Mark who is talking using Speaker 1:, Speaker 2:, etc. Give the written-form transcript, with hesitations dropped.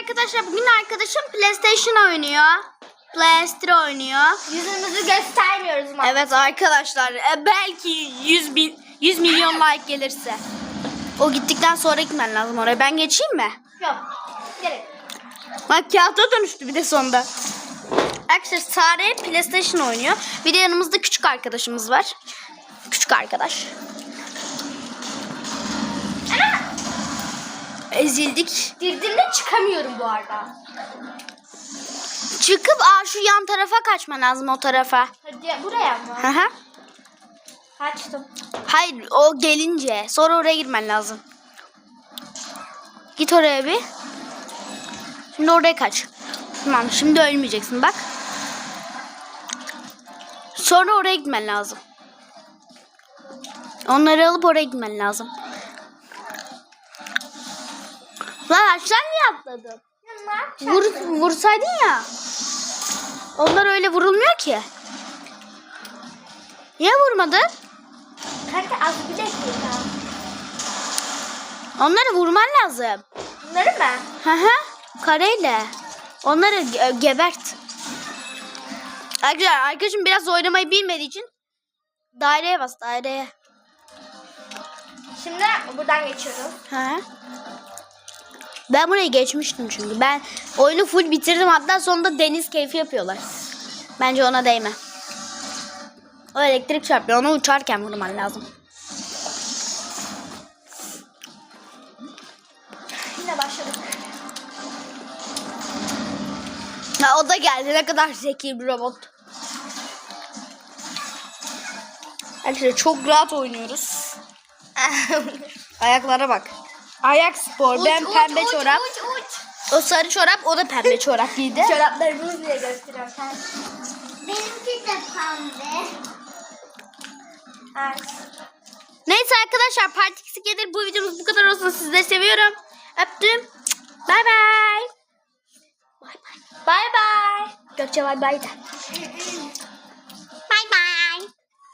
Speaker 1: arkadaşlar, bugün arkadaşım PlayStation oynuyor. PlayStation oynuyor.
Speaker 2: Yüzümüzü göstermiyoruz ama.
Speaker 1: Evet arkadaşlar, belki 100 milyon like gelirse. O gittikten sonra gitmen lazım oraya. Ben geçeyim mi?
Speaker 2: Yok. Gerek.
Speaker 1: Bak kağıta dönüştü bir de sonunda. Arkadaşlar Sare PlayStation oynuyor. Bir de yanımızda küçük arkadaşımız var. Küçük arkadaş. Ezildik.
Speaker 2: Girdiğimde çıkamıyorum bu arada.
Speaker 1: Çıkıp şu yan tarafa kaçman lazım, o tarafa.
Speaker 2: Hadi buraya mı?
Speaker 1: Hı hı.
Speaker 2: Kaçtım.
Speaker 1: Hayır, o gelince. Sonra oraya girmen lazım. Git oraya bir. Şimdi oraya kaç. Tamam, şimdi ölmeyeceksin bak. Sonra oraya gitmen lazım. Onları alıp oraya gitmen lazım. Lan aşağı niye atladın? Vursaydın ya. Onlar öyle vurulmuyor ki. Niye vurmadın?
Speaker 2: Kanka az bir dakika.
Speaker 1: Onları vurman lazım.
Speaker 2: Bunları mı?
Speaker 1: Hı hı. Kareyle. Onları gebert. Arkadaşlar, arkadaşım biraz oynamayı bilmediği için daireye bas, daireye.
Speaker 2: Şimdi buradan geçiyorum.
Speaker 1: Hı. Ben burayı geçmiştim çünkü. Ben oyunu full bitirdim. Hatta sonunda deniz keyfi yapıyorlar. Bence ona değme. O elektrik çarpıyor. Onu uçarken vurman lazım.
Speaker 2: Yine başladık.
Speaker 1: Ha, o da geldi. Ne kadar zeki bir robot. Arkadaşlar çok rahat oynuyoruz. Ayaklara bak. Ayak spor. Ben pembe çorap.
Speaker 2: Uç.
Speaker 1: O sarı çorap, o da pembe çorap giydi.
Speaker 2: Çoraplarımızı diye gösteriyorum.
Speaker 3: Benimki de pembe.
Speaker 2: Evet.
Speaker 1: Neyse arkadaşlar, Part 2 gelir. Bu videomuz bu kadar olsun. Sizleri seviyorum. Öptüm. Bay bay.
Speaker 2: Bye bye.
Speaker 1: Gökçe bay bay de.